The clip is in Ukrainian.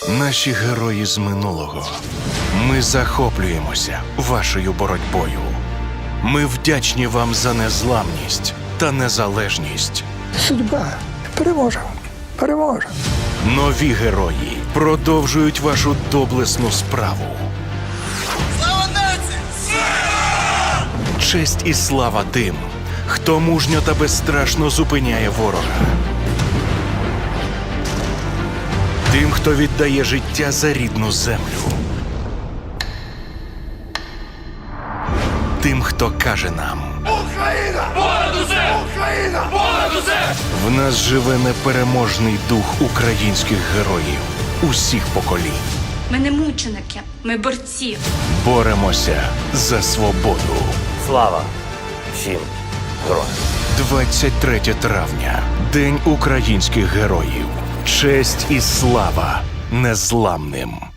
Наші герої з минулого. Ми захоплюємося вашою боротьбою. Ми вдячні вам за незламність та незалежність. Судьба переможе. Переможе. Нові герої продовжують вашу доблесну справу. Слава нації! Честь і слава тим, хто мужньо та безстрашно зупиняє ворога. Тим, хто віддає життя за рідну землю. Тим, хто каже нам: Україна! Понад усе! Україна! Понад усе! в нас живе непереможний дух українських героїв усіх поколінь. Ми не мученики, ми борці. Боремося за свободу. Слава всім героям! 23 травня. День українських героїв. Честь і слава незламним.